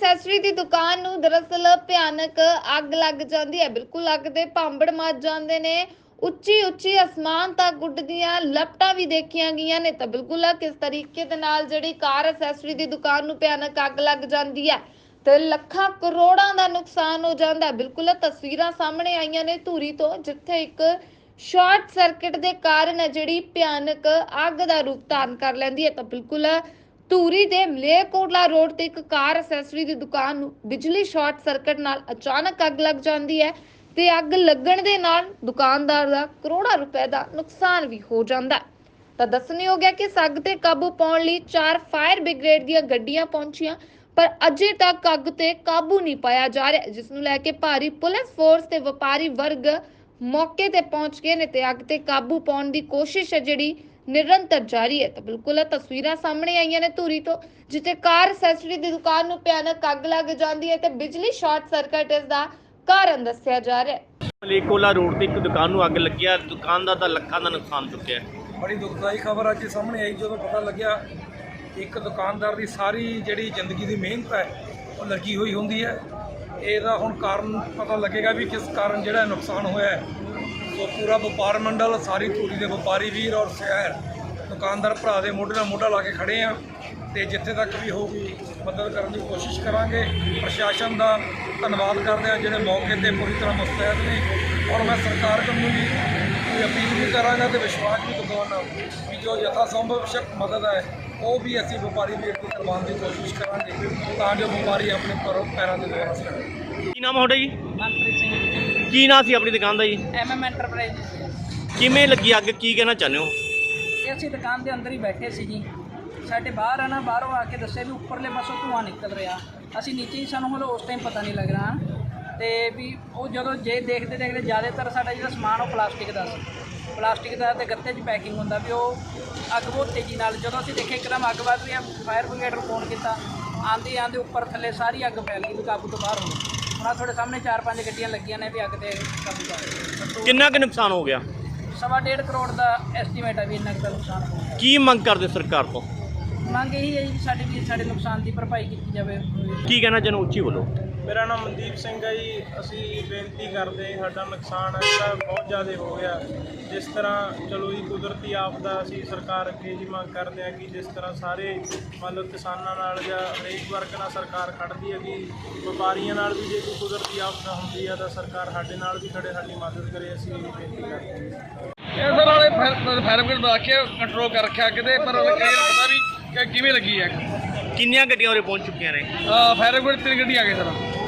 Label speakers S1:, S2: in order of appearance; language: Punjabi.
S1: ਐਸੈਸਰੀ ਦੀ ਦੁਕਾਨ ਨੂੰ ਦਰਅਸਲ ਭਿਆਨਕ ਅੱਗ ਲੱਗ ਜਾਂਦੀ ਹੈ। ਬਿਲਕੁਲ ਅੱਗ ਦੇ ਭਾਂਬੜ ਮੱਚ ਜਾਂਦੇ ਨੇ। ਉੱਚੀ ਉੱਚੀ ਅਸਮਾਨ ਤੱਕ ਉੱਡਦੀਆਂ ਲਪਟਾਂ ਵੀ ਦੇਖੀਆਂ ਗਈਆਂ ਨੇ। ਤਾਂ ਬਿਲਕੁਲ ਕਿਸ ਤਰੀਕੇ ਦੇ ਨਾਲ ਜਿਹੜੀ ਕਾਰ ਐਸੈਸਰੀ ਦੀ ਦੁਕਾਨ ਨੂੰ ਭਿਆਨਕ ਅੱਗ ਲੱਗ ਜਾਂਦੀ ਹੈ ਤੇ ਲੱਖਾਂ ਕਰੋੜਾਂ ਦਾ ਨੁਕਸਾਨ ਹੋ ਜਾਂਦਾ ਹੈ। ਬਿਲਕੁਲ ਤਸਵੀਰਾਂ ਸਾਹਮਣੇ ਆਈਆਂ ਨੇ ਧੂਰੀ ਤੋਂ, ਜਿੱਥੇ ਇੱਕ ਸ਼ਾਰਟ ਸਰਕਟ ਦੇ ਕਾਰਨ ਜਿਹੜੀ ਭਿਆਨਕ ਅੱਗ ਦਾ ਰੂਪ ਧਾਰਨ ਕਰ ਲੈਂਦੀ ਹੈ। ਤਾਂ ਬਿਲਕੁਲ ਧੂਰੀ ਦੇ ਮਲੇਰਕੋਟਲਾ ਰੋਡ ਤੇ ਇੱਕ ਕਾਰ ਐਸੈਸਰੀ ਦੀ ਦੁਕਾਨ ਨੂੰ ਬਿਜਲੀ ਸ਼ਾਰਟ ਸਰਕਟ ਨਾਲ ਅਚਾਨਕ ਅੱਗ ਲੱਗ ਜਾਂਦੀ ਹੈ ਤੇ ਅੱਗ ਲੱਗਣ ਦੇ ਨਾਲ ਦੁਕਾਨਦਾਰ ਦਾ ਕਰੋੜਾਂ ਰੁਪਏ ਦਾ ਨੁਕਸਾਨ ਵੀ ਹੋ ਜਾਂਦਾ ਹੈ। ਤਾਂ ਦੱਸਣਯੋਗ ਹੈ ਕਿ ਇਸ ਅੱਗ ਤੇ ਕਾਬੂ ਪਾਉਣ ਲਈ 4 ਫਾਇਰ ਬ੍ਰਿਗੇਡ ਦੀਆਂ ਗੱਡੀਆਂ ਪਹੁੰਚੀਆਂ, ਪਰ ਅਜੇ ਤੱਕ ਅੱਗ ਤੇ ਕਾਬੂ ਨਹੀਂ ਪਾਇਆ ਜਾ ਰਿਹਾ, ਜਿਸ ਨੂੰ ਲੈ ਕੇ ਭਾਰੀ ਪੁਲਿਸ ਫੋਰਸ ਤੇ ਵਪਾਰੀ ਵਰਗ ਮੌਕੇ ਤੇ ਪਹੁੰਚ ਗਏ ਨੇ ਤੇ ਅੱਗ ਤੇ ਕਾਬੂ ਪਾਉਣ ਦੀ ਕੋਸ਼ਿਸ਼ ਹੈ ਜਿਹੜੀ ਨਿਰੰਤਰ ਜਾਰੀ ਹੈ। ਤਾਂ ਬਿਲਕੁਲ ਤਸਵੀਰਾਂ ਸਾਹਮਣੇ ਆਈਆਂ ਨੇ ਧੂਰੀ ਤੋਂ, ਜਿੱਥੇ ਕਾਰ ਐਸੈਸਰੀ ਦੀ ਦੁਕਾਨ ਨੂੰ ਭਿਆਨਕ ਅੱਗ ਲੱਗ ਜਾਂਦੀ ਹੈ ਤੇ ਬਿਜਲੀ ਸ਼ਾਰਟ ਸਰਕਟ ਇਸ ਦਾ ਕਾਰਨ ਦੱਸਿਆ ਜਾ ਰਿਹਾ ਹੈ।
S2: ਮਲੇਰਕੋਟਲਾ ਰੋਡ ਤੇ ਇੱਕ ਦੁਕਾਨ ਨੂੰ ਅੱਗ ਲੱਗਿਆ, ਦੁਕਾਨਦਾਰ ਦਾ ਲੱਖਾਂ ਦਾ ਨੁਕਸਾਨ ਚੁੱਕਿਆ।
S3: ਬੜੀ ਦੁਖਦਾਈ ਖਬਰ ਅੱਜ ਸਾਹਮਣੇ ਆਈ ਜਦੋਂ ਪਤਾ ਲੱਗਿਆ ਇੱਕ ਦੁਕਾਨਦਾਰ ਦੀ ਸਾਰੀ ਜਿਹੜੀ ਜ਼ਿੰਦਗੀ ਦੀ ਮਿਹਨਤ ਹੈ ਉਹ ਲੱਗੀ ਹੋਈ ਹੁੰਦੀ ਹੈ। ਇਹਦਾ ਹੁਣ ਕਾਰਨ ਪਤਾ ਲੱਗੇਗਾ ਵੀ ਕਿਸ ਕਾਰਨ ਜਿਹੜਾ ਨੁਕਸਾਨ ਹੋਇਆ ਹੈ। ਸੋ ਪੂਰਾ ਵਪਾਰ ਮੰਡਲ, ਸਾਰੀ ਧੂਰੀ ਦੇ ਵਪਾਰੀ ਵੀਰ ਔਰ ਸ਼ਹਿਰ ਦੁਕਾਨਦਾਰ ਭਰਾ ਦੇ ਮੋਢੇ ਨਾਲ ਮੋਢਾ ਲਾ ਕੇ ਖੜੇ ਆ ਤੇ ਜਿੱਥੇ ਤੱਕ ਵੀ ਹੋਊਗੀ ਮਦਦ ਕਰਨ ਦੀ ਕੋਸ਼ਿਸ਼ ਕਰਾਂਗੇ। ਪ੍ਰਸ਼ਾਸਨ ਦਾ ਧੰਨਵਾਦ ਕਰਦੇ ਆ ਜਿਹੜੇ ਮੌਕੇ ਤੇ ਪੂਰੀ ਤਰ੍ਹਾਂ ਮੁਸਤੈਦ ਨੇ, ਔਰ ਮੈਂ ਸਰਕਾਰ ਨੂੰ ਵੀ ਅਪੀਲ ਵੀ ਕਰਾਂਗਾ ਤੇ ਵਿਸ਼ਵਾਸ ਵੀ ਦਿਵਾਉਣਾ ਵੀ ਜੋ ਯਥਾ ਸੰਭਵ ਸ਼ਕ ਮਦਦ ਹੈ ਉਹ ਵੀ ਅਸੀਂ ਵਪਾਰੀ ਵੀਰ ਦੀ ਕਰਵਾਉਣ ਦੀ ਕੋਸ਼ਿਸ਼ ਕਰਾਂਗੇ ਤਾਂ ਜੋ ਵਪਾਰੀ ਆਪਣੇ ਪੈਰਾਂ ਤੇ ਦੁਬਾਰਾ ਸਕਣ।
S2: ਕੀ ਨਾਮ ਹੈ ਤੁਹਾਡਾ ਜੀ?
S4: ਮਨਪ੍ਰੀਤ ਸਿੰਘ।
S2: ਕੀ ਨਾਮ ਸੀ ਆਪਣੀ ਦੁਕਾਨ ਦਾ ਜੀ?
S4: MM enterprise.
S2: ਕਿਵੇਂ ਲੱਗੀ ਅੱਗ, ਕੀ ਕਹਿਣਾ ਚਾਹੁੰਦੇ ਹੋ?
S4: ਇਹ ਅਸੀਂ ਦੁਕਾਨ ਦੇ ਅੰਦਰ ਹੀ ਬੈਠੇ ਸੀ ਜੀ। ਸਾਡੇ ਬਾਹਰ ਆਣਾ, ਬਾਹਰੋਂ ਆ ਕੇ ਦੱਸਿਆ ਵੀ ਉੱਪਰਲੇ ਪਾਸੋਂ ਧੂੰਆਂ ਨਿਕਲ ਰਿਹਾ। ਅਸੀਂ ਨੀਚੇ ਹੀ, ਸਾਨੂੰ ਹਲੇ ਉਸ ਟਾਈਮ ਪਤਾ ਨਹੀਂ ਲੱਗ ਰਿਹਾ ਤੇ ਵੀ ਉਹ ਜਦੋਂ ਜੇ ਦੇਖਦੇ ਜ਼ਿਆਦਾਤਰ ਸਾਡਾ ਜਿਹੜਾ ਸਮਾਨ ਉਹ ਪਲਾਸਟਿਕ ਦਾ ਸੀ, ਪਲਾਸਟਿਕ ਦਾ ਤੇ ਗੱਤੇ 'ਚ ਪੈਕਿੰਗ ਹੁੰਦਾ ਵੀ ਉਹ ਅੱਗ ਬਹੁਤ ਤੇਜ਼ੀ ਨਾਲ ਜਦੋਂ ਅਸੀਂ ਦੇਖਿਆ ਇੱਕਦਮ ਅੱਗ ਵੱਧ ਰਹੀ ਆ। ਫਾਇਰ ਬ੍ਰਿਗੇਡ ਨੂੰ ਫੋਨ ਕੀਤਾ, ਆਂਦੇ ਉੱਪਰ ਥੱਲੇ ਸਾਰੀ ਅੱਗ ਫੈਲ ਗਈ ਵੀ ਕਾਬੂ ਤੋਂ ਬਾਹਰ ਹੋ ਗਈ। ਹੁਣ ਆਹ ਤੁਹਾਡੇ ਸਾਹਮਣੇ 4-5 ਗੱਡੀਆਂ ਲੱਗੀਆਂ ਨੇ ਵੀ ਅੱਗ ਤੇ ਕਾਬੂ ਕਰ।
S2: ਕਿੰਨਾ ਕੁ ਨੁਕਸਾਨ ਹੋ ਗਿਆ?
S4: 1.5 ਕਰੋੜ ਦਾ ਐਸਟੀਮੇਟ ਹੈ ਵੀ ਇੰਨਾ ਕੁ ਦਾ ਨੁਕਸਾਨ ਹੋ ਗਿਆ।
S2: ਕੀ ਮੰਗ ਕਰਦੇ ਸਰਕਾਰ ਤੋਂ?
S4: ਮੰਗ ਇਹੀ ਹੈ ਜੀ ਸਾਡੇ ਨੁਕਸਾਨ ਦੀ ਭਰਪਾਈ ਕੀਤੀ ਜਾਵੇ।
S2: ਕੀ ਕਹਿਣਾ ਚਾਹੁੰਦੇ, ਉੱਚੀ ਬੋਲੋ।
S5: ਮੇਰਾ ਨਾਮ ਮਨਦੀਪ ਸਿੰਘ ਹੈ ਜੀ। ਅਸੀਂ ਬੇਨਤੀ ਕਰਦੇ, ਸਾਡਾ ਨੁਕਸਾਨ ਹੈ ਜਿਹੜਾ ਬਹੁਤ ਜ਼ਿਆਦਾ ਹੋ ਗਿਆ। ਜਿਸ ਤਰ੍ਹਾਂ ਚਲੋ ਜੀ ਕੁਦਰਤੀ ਆਫਦਾ, ਅਸੀਂ ਸਰਕਾਰ ਅੱਗੇ ਜੀ ਮੰਗ ਕਰਦੇ ਹਾਂ ਕਿ ਜਿਸ ਤਰ੍ਹਾਂ ਸਾਰੇ ਮੰਨ ਲਓ ਕਿਸਾਨਾਂ ਨਾਲ ਜਾਂ ਹਰੇਕ ਵਰਗ ਨਾਲ ਸਰਕਾਰ ਖੜ੍ਹਦੀ ਹੈ ਕਿ ਵਪਾਰੀਆਂ ਨਾਲ ਵੀ ਜੇ ਕੋਈ ਕੁਦਰਤੀ ਆਫਦਾ ਹੁੰਦੀ ਹੈ ਤਾਂ ਸਰਕਾਰ ਸਾਡੇ ਨਾਲ ਵੀ ਖੜੇ, ਸਾਡੀ ਮਦਦ ਕਰੇ। ਅਸੀਂ ਇਹ ਬੇਨਤੀ ਕਰਦੇ ਹਾਂ।
S3: ਇਹਦੇ ਨਾਲ ਫਾਇਰ ਬ੍ਰਿਗੇਡ ਦਾ ਕੇ ਕੰਟਰੋਲ ਕਰ ਰੱਖਿਆ ਕਿਤੇ, ਪਰ ਪਤਾ ਵੀ ਕਿਵੇਂ ਲੱਗੀ ਹੈ।
S2: ਕਿੰਨੀਆਂ ਗੱਡੀਆਂ ਉਰੇ ਪਹੁੰਚ ਚੁੱਕੀਆਂ ਨੇ?
S3: ਫਾਇਰ ਬ੍ਰਿਗੇਡ 3 ਗੱਡੀਆਂ ਆ ਗਏ ਸਰ।